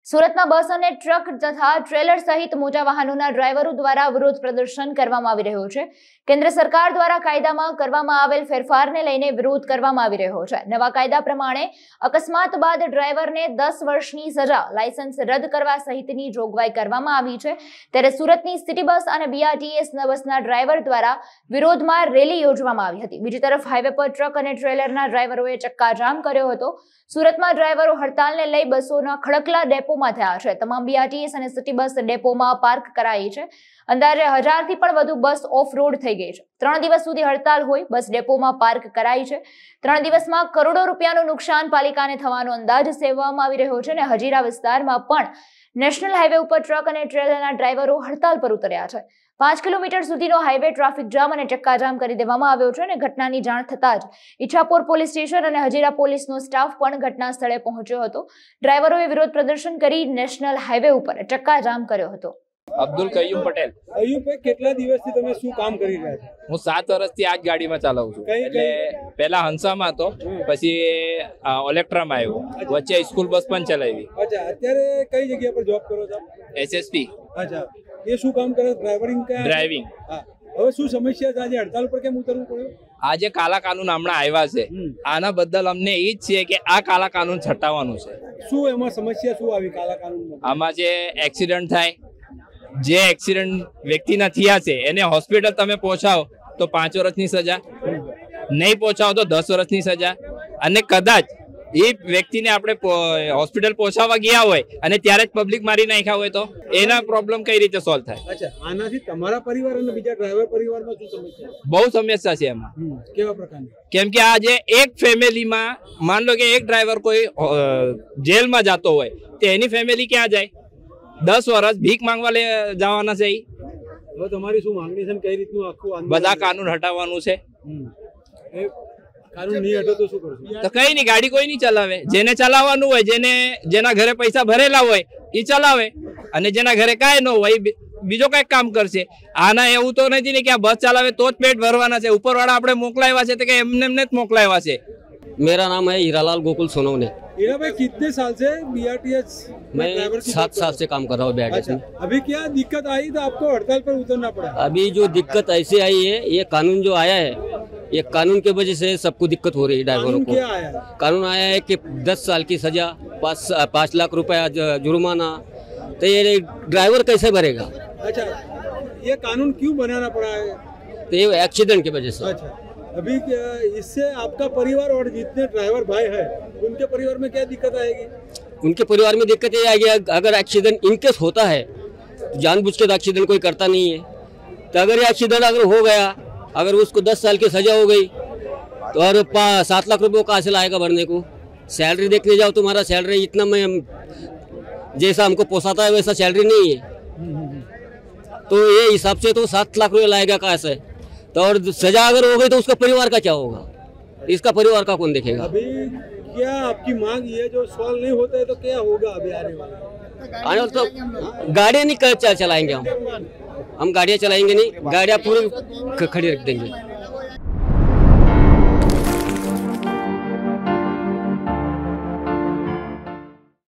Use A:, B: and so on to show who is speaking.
A: સુરતમાં બસ અને ટ્રક તથા ટ્રેલર સહિત મોટા વાહનોના ડ્રાઈવરો દ્વારા વિરોધ પ્રદર્શન કરવામાં આવી રહ્યો છે। કેન્દ્ર સરકાર દ્વારા કાયદામાં કરવામાં આવેલ ફેરફારને લઈને વિરોધ કરવામાં આવી રહ્યો છે। નવા કાયદા પ્રમાણે અકસ્માત બાદ ડ્રાઈવરને 10 વર્ષની સજા, લાયસન્સ રદ કરવા સહિતની જોગવાઈ કરવામાં આવી છે। ત્યારે સુરતની સિટી બસ અને બીઆરટીએસ બસના ડ્રાઈવર દ્વારા વિરોધમાં રેલી યોજવામાં આવી હતી। બીજી તરફ હાઈવે પર ટ્રક અને ટ્રેલરના ડ્રાઈવરોએ ચક્કાજામ કર્યો હતો। સુરતમાં ડ્રાઈવરો હડતાલને લઈ બસોના ખડકલા ડેપોમાં થયા છે। તમામ બીઆરટીએસ અને સિટી બસ ડેપોમાં પાર્ક કરાઈ છે। અંદાજે 1000 થી પણ વધુ બસ ઓફ રોડ થઈ ગઈ છે। 3 દિવસ સુધી હડતાલ હોય બસ ડેપોમાં પાર્ક કરાઈ છે। 3 દિવસમાં કરોડો રૂપિયાનું નુકસાન પાલિકાને થવાનો અંદાજ સેવવામાં આવી રહ્યો છે। અને હજીરા વિસ્તારમાં પણ નેશનલ હાઈવે ઉપર ટ્રક અને ટ્રેલરના ડ્રાઈવરો હડતાલ પર ઉતર્યા છે। 5 કિલોમીટર સુધીનો હાઈવે ટ્રાફિક જામ અને ચક્કાજામ કરી દેવામાં આવ્યો છે। અને ઘટનાની જાણ થતાં જ ઈચ્છાપુર પોલીસ સ્ટેશન અને હજીરા પોલીસનો સ્ટાફ પણ ઘટના સ્થળે પહોંચ્યો હતો। ડ્રાઈવરોએ વિરોધ પ્રદર્શન કરી નેશનલ હાઈવે ઉપર ચક્કાજામ કર્યો હતો।
B: અબ્દુલ કયુમ પટેલ।
C: અયુબભાઈ, કેટલા દિવસથી તમે શું કામ કરી રહ્યા છો?
B: હું 7 વર્ષથી આ જ ગાડીમાં ચલાવું છું। એટલે પહેલા હંસામાં હતો, પછી ઓલેક્ટ્રામાં આવ્યો, વચ્ચે સ્કૂલ બસ પણ ચલાવી।
C: અચ્છા, અત્યારે કઈ જગ્યા પર જોબ કરો છો?
B: એસએસપી।
C: અચ્છા, એ શું કામ કરે? ડ્રાઇવિંગ। હા, હવે શું સમસ્યા છે? આજે હડતાલ પર કેમ ઉતરવું પડ્યું?
B: આજે કાલા કાનૂન હમણાં આવ્યા છે, આના બદલ અમને એ જ છે કે આ કાલા કાનૂન છટાવવાનું છે।
C: શું એમાં સમસ્યા શું આવી કાલા કાનૂનમાં?
B: આમાં જે એક્સિડન્ટ થાય, જે એક્સિડન્ટ વ્યક્તિના થયા છે એને હોસ્પિટલ તમે પહોંચાવો તો 5 વર્ષની સજા, નહીં પહોંચાવો તો 10 વર્ષની સજા। અને કદાચ એ વ્યક્તિને આપણે હોસ્પિટલ પહોંચાડવા ગયા હોય અને ત્યારે જ પબ્લિક મારી નાખ્યા હોય તો એના પ્રોબ્લેમ કઈ રીતે સોલ્વ થાય?
C: અચ્છા, આનાથી તમારા પરિવાર અને બીજા ડ્રાઈવર પરિવારમાં શું સમસ્યા?
B: બહુ સમસ્યા છે એમાં।
C: કેવા પ્રકારની? કેમ
B: કે આજે એક ફેમિલીમાં માન લો કે એક ડ્રાઈવર કોઈ જેલમાં જતો હોય તો એની ફેમિલી ક્યાં જાય? 10 વર્ષ ભીખ માંગવા જવાના છે।
C: હવે તમારી શું માંગણી છે? કઈ રીતનું આખું
B: બધા કાનૂન હટાવવાનું છે।
C: કાનૂન નહીં હટે તો શું કરશો?
B: તો કઈ નહીં, ગાડી કોઈ નહીં ચલાવે। જેને ચલાવવાનું હોય, જેના ઘરે પૈસા ભરેલા હોય એ ચલાવે, અને જેના ઘરે કાંઈ ન હોય બીજો કઈક કામ કરશે। આના એવું તો નથી ને કે આ બસ ચલાવે તો જ પેટ ભરવાના છે। ઉપરવાળા આપણે મોકલાવ્યા છે તો કે એમને જ મોકલાવ્યા છે।
D: मेरा नाम है हीरालाल गोकुल सोनवने।
C: हीरा भाई, कितने साल से बीआरटीएस?
D: मैं 7 साल से काम कर रहा हूँ बीआरटीएस में।
C: अभी क्या दिक्कत आई तो आपको हड़ताल पर उतरना पड़ा?
D: अभी जो दिक्कत ऐसे आई है, ये कानून जो आया है, ये कानून की वजह से सबको दिक्कत हो रही है ड्राइवरों को।
C: क्या आया?
D: कानून आया है कि 10 साल की सजा, 5 लाख रुपया जुर्माना। तो ये ड्राइवर कैसे भरेगा?
C: अच्छा, ये कानून क्यों बनाना पड़ा है?
D: तो ये एक्सीडेंट की वजह से।
C: अच्छा, अभी इससे आपका परिवार और जितने ड्राइवर भाई हैं उनके परिवार में क्या दिक्कत आएगी?
D: उनके परिवार में दिक्कत ये आएगी, अगर एक्सीडेंट इनकेस होता है तो जानबूझ के तो एक्सीडेंट कोई करता नहीं है। तो अगर ये एक्सीडेंट अगर हो गया, अगर उसको 10 साल की सजा हो गई तो और 7 लाख रुपये कहाँ से लाएगा भरने को? सैलरी देखने जाओ, तुम्हारा सैलरी इतना मैं जैसा हमको पोसाता है वैसा सैलरी नहीं है। तो ये हिसाब से तो 7 लाख रुपये लाएगा कहाँ से? तो और सजा अगर हो गई तो उसका परिवार का क्या होगा? इसका परिवार का कौन देखेगा?
C: अभी क्या आपकी मांग ये जो सवाल नहीं होता है तो क्या होगा अभी आने वाला?
D: आने वाला तो गाड़ियाँ नहीं चलाएंगे हम गाड़ियाँ चलाएंगे नहीं, गाड़ियाँ पूरी खड़ी रख देंगे।